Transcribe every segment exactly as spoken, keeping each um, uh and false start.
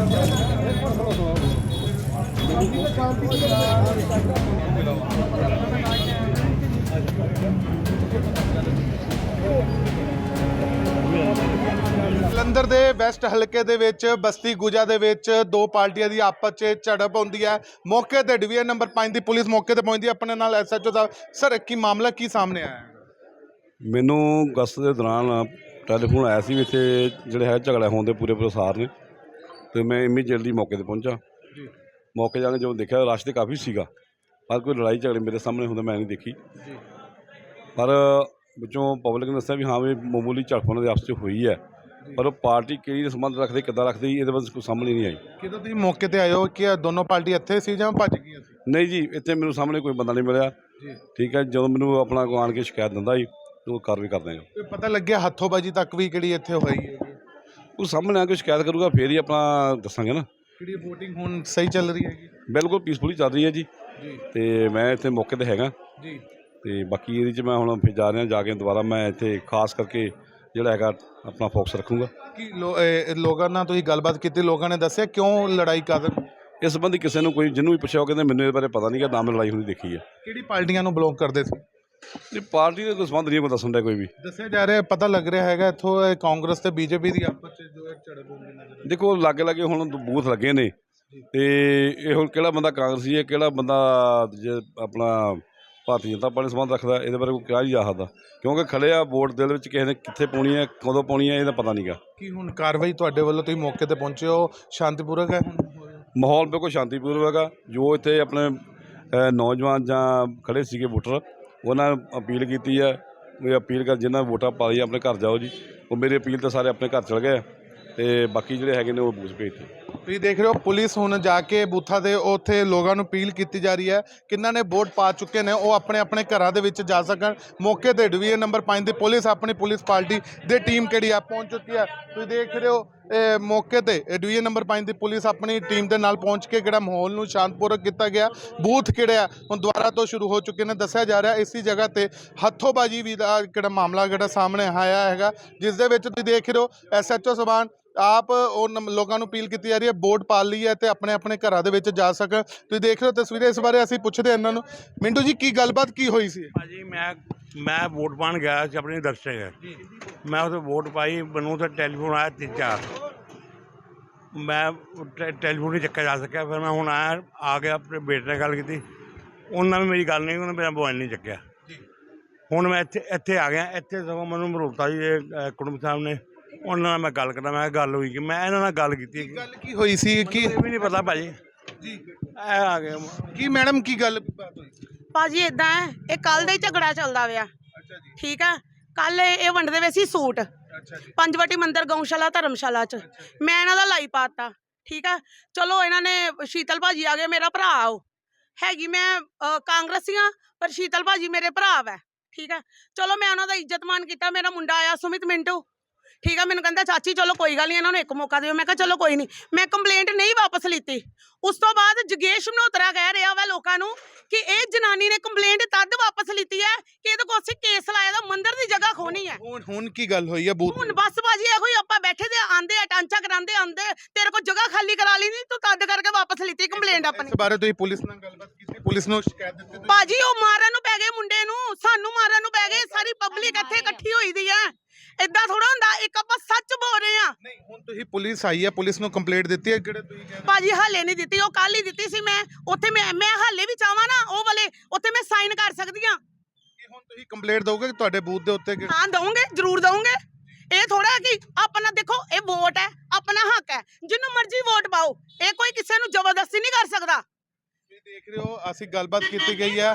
ਜਲੰਧਰ ਦੇ ਵੈਸਟ ਹਲਕੇ ਦੇ ਵਿੱਚ ਬਸਤੀ ਗੁਜਾ ਦੇ ਵਿੱਚ ਦੋ ਪਾਰਟੀਆਂ ਦੀ ਆਪਸ 'ਚ ਝੜਪ ਹੁੰਦੀ ਹੈ। ਮੌਕੇ ਤੇ ਡਿਵੀਜ਼ਨ ਨੰਬਰ ਪੰਜ ਦੀ ਪੁਲਿਸ ਮੌਕੇ ਤੇ ਪਹੁੰਚਦੀ ਹੈ। ਆਪਣੇ ਨਾਲ ਐਸਐਚਓ ਸਾਹਿਬ, ਸਰ ਕੀ ਮਾਮਲਾ ਕੀ ਸਾਹਮਣੇ ਆਇਆ? ਮੈਨੂੰ ਗਸਤ ਦੇ ਦੌਰਾਨ ਟੈਲੀਫੋਨ ਆਇਆ ਸੀ ਵੀ ਇੱਥੇ ਜਿਹੜੇ ਹੈ ਝਗੜਾ ਹੋਣ ਦੇ ਪੂਰੇ ਪ੍ਰਸਾਰ ਨੇ, ਅਤੇ ਮੈਂ ਇਮੀਡੀਏਟਲੀ ਮੌਕੇ 'ਤੇ ਪਹੁੰਚਾ। ਮੌਕੇ ਜਾ ਕੇ ਜਦੋਂ ਦੇਖਿਆ ਰਸ਼ ਤਾਂ ਕਾਫੀ ਸੀਗਾ, ਪਰ ਕੋਈ ਲੜਾਈ ਝਗੜੇ ਮੇਰੇ ਸਾਹਮਣੇ ਹੁੰਦਾ ਮੈਂ ਨਹੀਂ ਦੇਖੀ। ਪਰ ਵਿੱਚੋਂ ਪਬਲਿਕ ਨੇ ਦੱਸਿਆ ਵੀ ਹਾਂ ਵੀ ਮਾਮੂਲੀ ਝੜਪ ਉਹਨਾਂ ਦੇ ਆਪਸ 'ਚ ਹੋਈ ਹੈ, ਪਰ ਉਹ ਪਾਰਟੀ ਕਿਹੜੀ ਸੰਬੰਧ ਰੱਖਦੇ ਕਿੱਦਾਂ ਰੱਖਦੇ ਇਹਦੇ ਬਾਰੇ ਕੋਈ ਸਾਹਮਣੇ ਨਹੀਂ ਆਈ। ਕਿਦੋਂ ਤੁਸੀਂ ਮੌਕੇ ਤੇ ਆਏ ਹੋ ਕਿ ਦੋਨੋਂ ਪਾਰਟੀ ਇੱਥੇ ਸੀ ਜਾਂ ਭੱਜ ਗਈਆਂ ਸੀ? ਨਹੀਂ ਜੀ, ਇੱਥੇ ਮੈਨੂੰ ਸਾਹਮਣੇ ਕੋਈ ਬੰਦਾ ਨਹੀਂ ਮਿਲਿਆ। ਠੀਕ ਹੈ, ਜਦੋਂ ਮੈਨੂੰ ਆਪਣਾ ਕੋਈ ਆਣ ਕੇ ਸ਼ਿਕਾਇਤ ਦਿੰਦਾ ਜੀ ਉਹ ਕਾਰਵਾਈ ਕਰਦੇ ਹਾਂ। ਪਤਾ ਲੱਗਿਆ ਹੱਥੋਂਬਾਜੀ ਤੱਕ ਵੀ ਕਿਹੜੀ ਇੱਥੇ ਹੋਈ ਹੈ? ਉਹ ਸਾਹਮਣੇ ਆ ਕੇ ਸ਼ਿਕਾਇਤ ਕਰੂਗਾ ਫਿਰ ਹੀ ਆਪਣਾ ਦੱਸਾਂਗੇ ਨਾ। ਕਿਹੜੀ ਵੋਟਿੰਗ ਹੁਣ ਸਹੀ ਚੱਲ ਰਹੀ ਹੈਗੀ? ਬਿਲਕੁਲ ਪੀਸਫੁਲੀ ਚੱਲ ਰਹੀ ਹੈ ਜੀ। ਅਤੇ ਮੈਂ ਇੱਥੇ ਮੌਕੇ 'ਤੇ ਹੈਗਾ ਜੀ, ਅਤੇ ਬਾਕੀ ਇਹਦੇ 'ਚ ਮੈਂ ਹੁਣ ਫਿਰ ਜਾ ਰਿਹਾ, ਜਾ ਕੇ ਦੁਬਾਰਾ ਮੈਂ ਇੱਥੇ ਖਾਸ ਕਰਕੇ ਜਿਹੜਾ ਹੈਗਾ ਆਪਣਾ ਫੋਕਸ ਰੱਖੂੰਗਾ। ਕੀ ਲੋ ਲੋਕਾਂ ਨਾਲ ਤੁਸੀਂ ਗੱਲਬਾਤ ਕੀਤੀ? ਲੋਕਾਂ ਨੇ ਦੱਸਿਆ ਕਿਉਂ ਲੜਾਈ ਕਰ? ਇਸ ਸੰਬੰਧੀ ਕਿਸੇ ਨੂੰ ਕੋਈ ਜਿਹਨੂੰ ਵੀ ਪੁੱਛਿਆ ਉਹ ਕਹਿੰਦੇ ਮੈਨੂੰ ਇਹਦੇ ਬਾਰੇ ਪਤਾ ਨਹੀਂ, ਕਿ ਨਾ ਮੈਂ ਲੜਾਈ ਹੁੰਦੀ ਦੇਖੀ ਹੈ। ਕਿਹੜੀ ਪਾਰਟੀਆਂ ਨੂੰ ਬਲੌਕ ਕਰਦੇ ਸੀ? ਨਹੀਂ, ਪਾਰਟੀ ਦੇ ਕੋਈ ਸੰਬੰਧ ਨਹੀਂ ਕੋਈ ਦੱਸਣ ਦਾ ਕੋਈ ਵੀ। ਦੱਸਿਆ ਜਾ ਰਿਹਾ, ਪਤਾ ਲੱਗ ਰਿਹਾ ਹੈਗਾ ਇੱਥੋਂ ਕਾਂਗਰਸ ਤੇ ਬੀਜੇਪੀ ਦੀ ਆਪਸ 'ਚ ਜੋ ਝੜਪ ਹੁੰਦੀ ਨਜ਼ਰ। ਦੇਖੋ ਲਾਗੇ ਲਾਗੇ ਹੁਣ ਬੂਥ ਲੱਗੇ ਨੇ, ਅਤੇ ਇਹ ਹੁਣ ਕਿਹੜਾ ਬੰਦਾ ਕਾਂਗਰਸੀ ਹੈ ਕਿਹੜਾ ਬੰਦਾ ਜੇ ਆਪਣਾ ਭਾਰਤੀ ਜਨਤਾ ਪਾਰਟੀ ਸੰਬੰਧ ਰੱਖਦਾ, ਇਹਦੇ ਬਾਰੇ ਕੋਈ ਕਿਹਾ ਨਹੀਂ ਜਾ ਸਕਦਾ, ਕਿਉਂਕਿ ਖੜੇ ਆ ਵੋਟ ਦਿਲ ਵਿੱਚ ਕਿਸੇ ਨੇ ਕਿੱਥੇ ਪਾਉਣੀ ਹੈ ਕਦੋਂ ਪਾਉਣੀ ਹੈ ਇਹਦਾ ਪਤਾ ਨਹੀਂ ਗਾ। ਕੀ ਹੁਣ ਕਾਰਵਾਈ ਤੁਹਾਡੇ ਵੱਲੋਂ, ਤੁਸੀਂ ਮੌਕੇ ਤੇ ਪਹੁੰਚੇ ਹੋ, ਸ਼ਾਂਤੀਪੂਰਵਕ ਹੈ? ਮਾਹੌਲ ਬਿਲਕੁਲ ਸ਼ਾਂਤੀਪੂਰਵਕ ਹੈਗਾ। ਜੋ ਇੱਥੇ ਆਪਣੇ ਨੌਜਵਾਨ ਜਾਂ ਖੜੇ ਸੀਗੇ ਵੋਟਰ, ਉਹਨਾਂ ਨੇ ਅਪੀਲ ਕੀਤੀ ਹੈ ਵੀ ਅਪੀਲ ਕਰ ਜਿਨ੍ਹਾਂ ਵੋਟਾਂ ਪਾ ਲਈ ਆਪਣੇ ਘਰ ਜਾਓ ਜੀ। ਉਹ ਮੇਰੀ ਅਪੀਲ ਤਾਂ ਸਾਰੇ ਆਪਣੇ ਘਰ ਚਲ ਗਏ, ਅਤੇ ਬਾਕੀ ਜਿਹੜੇ ਹੈਗੇ ਨੇ ਉਹ ਬੂਥ ਭੇਜਤੇ। ਤੁਸੀਂ ਦੇਖ ਰਹੇ ਹੋ ਪੁਲਿਸ ਹੁਣ ਜਾ ਕੇ ਬੂਥਾਂ ਦੇ ਉੱਥੇ ਲੋਕਾਂ ਨੂੰ ਅਪੀਲ ਕੀਤੀ ਜਾ ਰਹੀ ਹੈ, ਕਿਹਨਾਂ ਨੇ ਵੋਟ ਪਾ ਚੁੱਕੇ ਨੇ ਉਹ ਆਪਣੇ ਆਪਣੇ ਘਰਾਂ ਦੇ ਵਿੱਚ ਜਾ ਸਕਣ। ਮੌਕੇ ਤੇ ਡਿਵੀਜ਼ਨ ਨੰਬਰ ਪੰਜ ਦੀ ਪੁਲਿਸ ਆਪਣੀ ਪੁਲਿਸ ਪਾਰਟੀ ਦੀ ਟੀਮ ਕਿਹੜੀ ਆ ਪਹੁੰਚ ਚੁੱਕੀ ਹੈ। ਤੁਸੀਂ ਦੇਖ ਰਹੇ ਹੋ ਇਹ ਮੌਕੇ ਤੇ ਡਿਵੀਜ਼ਨ ਨੰਬਰ ਪੰਜ ਦੀ ਪੁਲਿਸ ਆਪਣੀ ਟੀਮ ਦੇ ਨਾਲ ਪਹੁੰਚ ਕੇ ਕਿਹੜਾ ਮਾਹੌਲ ਨੂੰ ਸ਼ਾਂਤਪੂਰਵਕ ਕੀਤਾ ਗਿਆ। ਬੂਥ ਕਿਹੜੇ ਆ ਹੁਣ ਦੁਬਾਰਾ ਤੋਂ ਸ਼ੁਰੂ ਹੋ ਚੁੱਕੇ ਨੇ। ਦੱਸਿਆ ਜਾ ਰਿਹਾ ਇਸੀ ਜਗ੍ਹਾ ਤੇ ਹੱਥੋਂਬਾਜੀ ਵੀ ਦਾ ਕਿਹੜਾ ਮਾਮਲਾ ਕਿਹੜਾ ਸਾਹਮਣੇ ਆਇਆ ਹੈਗਾ, ਜਿਸ ਦੇ ਵਿੱਚ ਤੁਸੀਂ ਦੇਖ ਰਹੇ ਹੋ ਐਸਐਚਓ ਸਬਾਨ ਆਪ ਉਹ ਲੋਕਾਂ ਨੂੰ ਅਪੀਲ ਕੀਤੀ ਜਾ ਰਹੀ ਹੈ ਵੋਟ ਪਾ ਲਈ ਹੈ ਅਤੇ ਆਪਣੇ ਆਪਣੇ ਘਰਾਂ ਦੇ ਵਿੱਚ ਜਾ ਸਕਣ। ਤੁਸੀਂ ਦੇਖ ਰਹੇ ਹੋ ਤਸਵੀਰਾਂ, ਇਸ ਬਾਰੇ ਅਸੀਂ ਪੁੱਛਦੇ ਹਾਂ ਇਹਨਾਂ ਨੂੰ। ਮਿੰਟੂ ਜੀ, ਕੀ ਗੱਲਬਾਤ ਕੀ ਹੋਈ ਸੀ? ਭਾਜੀ ਮੈਂ ਮੈਂ ਵੋਟ ਪਾਉਣ ਗਿਆ ਸੀ ਆਪਣੇ ਦਰਸ਼ਕ, ਮੈਂ ਉੱਥੇ ਵੋਟ ਪਾਈ, ਮੈਨੂੰ ਉੱਥੇ ਟੈਲੀਫੋਨ ਆਇਆ ਤਿੰਨ ਚਾਰ, ਮੈਂ ਟੈਲੀਫੋਨ ਨਹੀਂ ਚੱਕਿਆ ਜਾ ਸਕਿਆ। ਫਿਰ ਮੈਂ ਹੁਣ ਆਇਆ ਆ ਕੇ ਆਪਣੇ ਬੇਟੇ ਨਾਲ ਗੱਲ ਕੀਤੀ, ਉਹਨਾਂ ਨੇ ਮੇਰੀ ਗੱਲ ਨਹੀਂ, ਉਹਨੇ ਮੇਰਾ ਮੋਬਾਈਲ ਨਹੀਂ ਚੱਕਿਆ। ਹੁਣ ਮੈਂ ਇੱਥੇ ਇੱਥੇ ਆ ਗਿਆ, ਇੱਥੇ ਸਗੋਂ ਮੈਨੂੰ ਮਰੋਤਾ ਜੀ ਕੁੜਮ ਸਾਹਿਬ ਨੇ, ਉਹਨਾਂ ਨਾਲ ਮੈਂ ਗੱਲ ਕਰਦਾ, ਮੈਂ ਗੱਲ ਹੋਈ ਕਿ ਮੈਂ ਇਹਨਾਂ ਨਾਲ ਗੱਲ ਕੀਤੀ। ਗੱਲ ਕੀ ਹੋਈ ਸੀ? ਕੀ ਵੀ ਨਹੀਂ ਪਤਾ ਭਾਜੀ ਜੀ, ਇਹ ਆ ਗਏ ਕੀ ਮੈਡਮ ਕੀ ਗੱਲ ਬਾਤ ਹੋਈ? ਭਾਜੀ ਇਦਾਂ ਹੈ, ਇਹ ਕੱਲ ਦਾ ਹੀ ਝਗੜਾ ਚੱਲਦਾ ਪਿਆ। ਅੱਛਾ ਜੀ, ਠੀਕ ਆ। ਕੱਲ ਇਹ ਵੰਡਦੇ ਵੇ ਸੀ ਸੂਟ ਪੰਜਵਟੀ ਮੰਦਿਰ ਗਊਸ਼ਾਲਾ ਧਰਮਸ਼ਾਲਾ ਚ, ਮੈਂ ਇਹਨਾਂ ਦਾ ਲਾਈ ਪਾਤਾ। ਠੀਕ ਆ, ਚਲੋ ਇਹਨਾਂ ਨੇ ਸ਼ੀਤਲ ਭਾਜੀ ਆ ਗਏ, ਮੇਰਾ ਭਰਾ ਉਹ ਹੈਗੀ, ਮੈਂ ਕਾਂਗਰਸੀਆਂ ਪਰ ਸ਼ੀਤਲ ਭਾਜੀ ਮੇਰੇ ਭਰਾ ਵੈ। ਠੀਕ ਆ, ਚਲੋ ਮੈਂ ਉਹਨਾਂ ਦਾ ਇੱਜ਼ਤ ਮਾਨ ਕੀਤਾ। ਮੇਰਾ ਮੁੰਡਾ ਆਇਆ ਸੁਮਿਤ ਮਿੰਟੂ, ਠੀਕ ਆ, ਮੈਨੂੰ ਕਹਿੰਦਾ ਚਾਚੀ ਚਲੋ ਕੋਈ ਗੱਲ ਨਹੀਂ, ਇਹਨਾਂ ਨੂੰ ਇੱਕ ਮੌਕਾ ਦਿਓ। ਮੈਂ ਕਿਹਾ ਚਲੋ ਕੋਈ ਨਹੀਂ, ਮੈਂ ਕੰਪਲੇਂਟ ਨਹੀਂ ਵਾਪਸ ਲਿੱਤੀ। ਉਸ ਤੋਂ ਬਾਅਦ ਜਗੇਸ਼ ਮਨੋਤਰਾ ਕਹਿ ਰਿਹਾ ਵਾ ਲੋਕਾਂ ਨੂੰ ਕਿ ਇਹ ਜਨਾਨੀ ਨੇ ਕੰਪਲੇਂਟ ਤਦ ਵਾਪਸ ਲਿੱਤੀ ਹੈ ਕਿ ਇਹਦੇ ਕੋਲ ਅਸੀਂ ਕੇਸ ਲਾਇਆ ਦਾ, ਮੰਦਿਰ ਦੀ ਜਗ੍ਹਾ ਖੋਣੀ ਹੈ। ਹੁਣ ਹੁਣ ਕੀ ਗੱਲ ਹੋਈ ਹੈ? ਬੂਥ ਹੁਣ ਬਸ ਭਾਜੀ ਇਹੋ ਹੀ, ਆਪਾਂ ਬੈਠੇ ਦੇ ਆਂਦੇ ਆ ਟਾਂਚਾ ਕਰਾਂਦੇ ਆਂਦੇ, ਤੇਰੇ ਕੋਲ ਜਗ੍ਹਾ ਖਾਲੀ ਕਰਾ ਲਈ ਨਹੀਂ, ਤੂੰ ਤਦ ਕਰਕੇ ਵਾਪਸ ਲਿੱਤੀ ਕੰਪਲੇਂਟ ਆਪਣੀ। ਇਸ ਬਾਰੇ ਤੁਸੀਂ ਪੁਲਿਸ ਨਾਲ ਗੱਲਬਾਤ ਕੀਤੀ? ਪੁਲਿਸ ਨੂੰ ਸ਼ਿਕਾਇਤ ਦਿੱਤੀ? ਭਾਜੀ ਉਹ ਮਾਰਨ ਨੂੰ ਪੈ ਗਏ ਮੁੰਡੇ ਨੂੰ, ਸਾਨੂੰ ਮਾਰਨ ਨੂੰ ਪੈ ਗਏ, ਸਾਰੀ ਪਬਲਿਕ ਇੱਥੇ ਇਕੱਠੀ ਹੋਈ ਦੀ ਹੈ। ਏਦਾਂ ਥੋੜਾ ਹੁੰਦਾ, ਇੱਕ ਆਪਾਂ ਸੱਚ ਬੋਲ ਰਹੇ ਆ। ਨਹੀਂ, ਹੁਣ ਤੁਸੀਂ ਪੁਲਿਸ ਆਈ ਹੈ, ਪੁਲਿਸ ਨੂੰ ਕੰਪਲੇਂਟ ਦਿੱਤੀ ਹੈ? ਕਿਹੜੇ ਤੁਸੀਂ ਕਹਿ ਰਹੇ ਭਾਜੀ ਹਾਲੇ ਨਹੀਂ ਦਿੱਤੀ, ਉਹ ਕੱਲ ਹੀ ਦਿੱਤੀ ਸੀ। ਮੈਂ ਉੱਥੇ ਮੈਂ ਮੈਂ ਹਾਲੇ ਵੀ ਚਾਹਾਂ ਨਾ ਉਹ ਵਾਲੇ ਉੱਥੇ ਮੈਂ ਸਾਈਨ ਕਰ ਸਕਦੀ ਹਾਂ। ਹੁਣ ਤੁਸੀਂ ਕੰਪਲੇਂਟ ਦੋਗੇ ਕਿ ਤੁਹਾਡੇ ਬੂਥ ਦੇ ਉੱਤੇ? ਹਾਂ ਦਊਂਗੇ, ਜ਼ਰੂਰ ਦਊਂਗੇ। ਇਹ ਥੋੜਾ ਕਿ ਆਪਣਾ ਦੇਖੋ, ਇਹ ਵੋਟ ਹੈ, ਆਪਣਾ ਹੱਕ ਹੈ, ਜਿਹਨੂੰ ਮਰਜ਼ੀ ਵੋਟ ਪਾਓ, ਇਹ ਕੋਈ ਕਿਸੇ ਨੂੰ ਜ਼ਬਰਦਸਤੀ ਨਹੀਂ ਕਰ ਸਕਦਾ। ਦੇਖ ਰਹੇ ਹੋ ਅਸੀਂ ਗੱਲਬਾਤ ਕੀਤੀ ਗਈ ਹੈ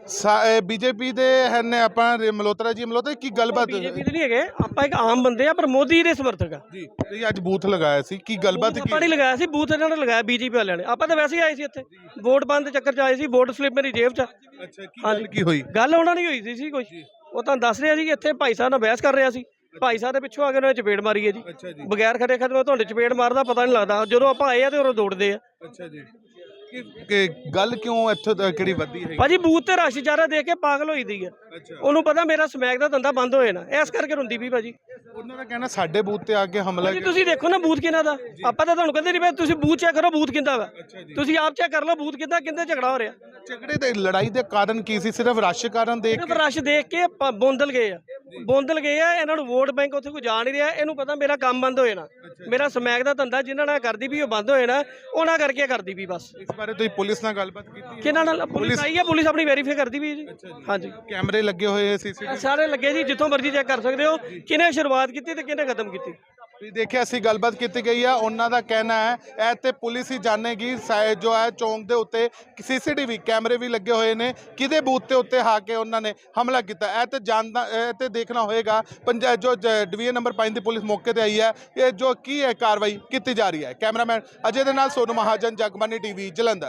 ਬੀਜੇਪੀ ਦੇ ਨੇ ਆਪਾਂ ਮਲੋਤਰਾ ਜੀ। ਮਲੋਤਰਾ ਕੀ ਗੱਲਬਾਤ? ਬੀਜੇਪੀ ਦੇ ਨਹੀਂ ਹੈਗੇ, ਆਪਾਂ ਇੱਕ ਆਮ ਬੰਦੇ ਆ, ਪਰ ਮੋਦੀ ਦੇ ਸਮਰਥਕ ਆ ਜੀ। ਤੁਸੀਂ ਅੱਜ ਬੂਥ ਲਗਾਇਆ ਸੀ, ਕੀ ਗੱਲਬਾਤ? ਆਪਾਂ ਨਹੀਂ ਲਗਾਇਆ ਸੀ ਬੂਥ, ਇਹਨਾਂ ਨੇ ਲਗਾਇਆ ਬੀਜੇਪੀ ਵਾਲਿਆਂ ਨੇ। ਆਪਾਂ ਤਾਂ ਵੈਸੇ ਹੀ ਆਏ ਸੀ ਇੱਥੇ ਵੋਟ ਪਾਉਣ ਦੇ ਚੱਕਰ 'ਚ ਆਏ ਸੀ। ਵੋਟ ਸਲਿੱਪ ਮੇਰੀ ਜੇਬ 'ਚ। ਅੱਛਾ, ਕੀ ਗੱਲ ਕੀ ਹੋਈ? ਗੱਲ ਉਹਨਾਂ ਨਹੀਂ ਹੋਈ ਸੀ ਕੋਈ, ਉਹ ਤਾਂ ਦੱਸ ਰਿਹਾ ਸੀ ਕਿ ਇੱਥੇ ਭਾਈ ਸਾਹਿਬ ਨਾਲ ਬਹਿਸ ਕਰ ਰਿਹਾ ਸੀ, ਭਾਈ ਸਾਹਿਬ ਦੇ ਪਿੱਛੋਂ ਆ ਕੇ ਉਹਨਾਂ ਨੇ ਚਪੇੜ ਮਾਰੀ ਹੈ ਜੀ। ਬਗੈਰ ਖੜੇ ਖੜੇ ਤੁਹਾਡੇ ਚਪੇੜ ਮਾਰਦਾ ਪਤਾ ਨਹੀਂ ਲੱਗਦਾ, ਜਦੋਂ ਆਪਾਂ ਆਏ ਆ ਤੇ ਉਹ ਦੌੜਦੇ ਆ। ਅੱਛਾ ਜੀ, ਕਿ ਗੱਲ ਕਿਉਂ ਇੱਥੇ ਕਿਹੜੀ ਵੱਧਦੀ ਹੈ? ਭਾਜੀ ਬੂਥ ਤੇ ਰਸ਼ ਜ਼ਿਆਦਾ ਦੇਖ ਕੇ ਪਾਗਲ ਹੋਈ ਦੀ ਹੈ। ਉਹਨੂੰ ਪਤਾ ਮੇਰਾ ਸਮੈਕ ਦਾ ਧੰਦਾ ਬੰਦ ਹੋਏ ਨਾ, ਇਸ ਕਰਕੇ ਰੋਂਦੀ ਵੀ ਭਾਜੀ। ਉਹਨਾਂ ਦਾ ਕਹਿਣਾ ਸਾਡੇ ਬੂਥ ਤੇ ਆ ਕੇ ਹਮਲਾ ਭਾਜੀ ਤੁਸੀਂ ਦੇਖੋ ਨਾ ਬੂਥ ਕਿਹਨਾਂ ਦਾ, ਆਪਾਂ ਤਾਂ ਤੁਹਾਨੂੰ ਕਹਿੰਦੇ ਨਹੀਂ ਪਏ, ਤੁਸੀਂ ਬੂਥ ਚੈੱਕ ਕਰੋ ਬੂਥ ਕਿੰਦਾ ਵਾ, ਤੁਸੀਂ ਆਪ ਚੈੱਕ ਕਰ ਲਓ ਬੂਥ ਕਿੰਦਾ, ਕਿੰਦੇ ਝਗੜਾ ਹੋ ਰਿਹਾ। ਝਗੜੇ ਤੇ ਲੜਾਈ ਦੇ ਕਾਰਨ ਕੀ ਸੀ? ਸਿਰਫ ਰਸ਼ ਕਾਰਨ ਦੇਖ ਸਿਰਫ ਰਸ਼ ਦੇਖ ਕੇ ਪ- ਬੋਂਦਲ ਗਏ ਆ, ਬੋਂਦਲ ਗਏ ਆ, ਇਹਨਾਂ ਨੂੰ ਵੋਟ ਬੈਂਕ ਉੱਥੇ ਕੋਈ ਜਾ ਨਹੀਂ ਰਿਹਾ, ਇਹਨੂੰ ਪਤਾ ਮੇਰਾ ਕੰਮ ਬੰਦ ਹੋਏ ਨਾ, ਮੇਰਾ ਸਮੈਕ ਦਾ ਧੰਦਾ ਜਿਨ੍ਹਾਂ ਨਾਲ ਕਰਦੀ ਵੀ ਉਹ ਬੰਦ ਹੋਏ ਨਾ, ਉਹਨਾਂ ਕਰਕੇ ਕਰਦੀ ਵੀ ਬਸ। ਇਸ ਬਾਰੇ ਤੁਸੀਂ ਪੁਲਿਸ ਨਾਲ ਗੱਲਬਾਤ ਕੀਤੀ ਹੈ? ਕਿਹਨਾਂ ਨਾਲ? ਪੁਲਿਸ ਆਈ ਹੈ, ਪੁਲਿਸ ਆਪਣੀ ਵੈਰੀਫਾਈ ਕਰਦੀ ਵੀ ਹੈ ਜੀ। ਹਾਂਜੀ ਕੈਮਰੇ ਲੱਗੇ ਹੋਏ ਆ ਸੀਸੀਟੀਵੀ? ਸਾਰੇ ਲੱਗੇ ਜੀ, ਜਿੱਥੋਂ ਮਰਜ਼ੀ ਚੈੱਕ ਕਰ ਸਕਦੇ ਹੋ ਕਿਹਨੇ ਸ਼ੁਰੂਆਤ ਕੀਤੀ ਤੇ ਕਿਹਨੇ ਖਤਮ ਕੀਤੀ। ਤੁਸੀਂ ਦੇਖਿਆ ਅਸੀਂ ਗੱਲਬਾਤ ਕੀਤੀ ਗਈ ਆ, ਉਹਨਾਂ ਦਾ ਕਹਿਣਾ ਹੈ ਇਹ ਤੇ ਪੁਲਿਸ ਹੀ ਜਾਣੇਗੀ ਸਾ- ਜੋ ਹੈ ਚੌਂਕ ਦੇ ਉੱਤੇ ਸੀਸੀਟੀਵੀ ਕੈਮਰੇ ਵੀ ਲੱਗੇ ਹੋਏ ਨੇ, ਕਿਹਦੇ ਬੂਥ ਦੇ ਉੱਤੇ ਆ ਕੇ ਉਹਨਾਂ ਨੇ ਹਮਲਾ ਕੀਤਾ। ਇਹ ਤੇ ਜਾਣਦਾ ਇਹ ਤੇ ਦੇਖਣਾ ਹੋਏਗਾ ਪੰਜ ਜੋ ਜ- ਡਿਵੀਜ਼ਨ ਨੰਬਰ ਪੰਜ ਦੀ ਪੁਲਿਸ ਮੌਕੇ ਤੇ ਆਈ ਹੈ, ਇਹ ਜੋ ਕੀ ਹੈ ਕਾਰਵਾਈ ਕੀਤੀ ਜਾ ਰਹੀ ਹੈ। ਕੈਮਰਾਮੈਨ ਅਜੇ ਦੇ ਨਾਲ ਸੋਨੂ ਮਹਾਜਨ, ਜਗਬਾਨੀ ਟੀਵੀ, ਜਲੰਧਰ।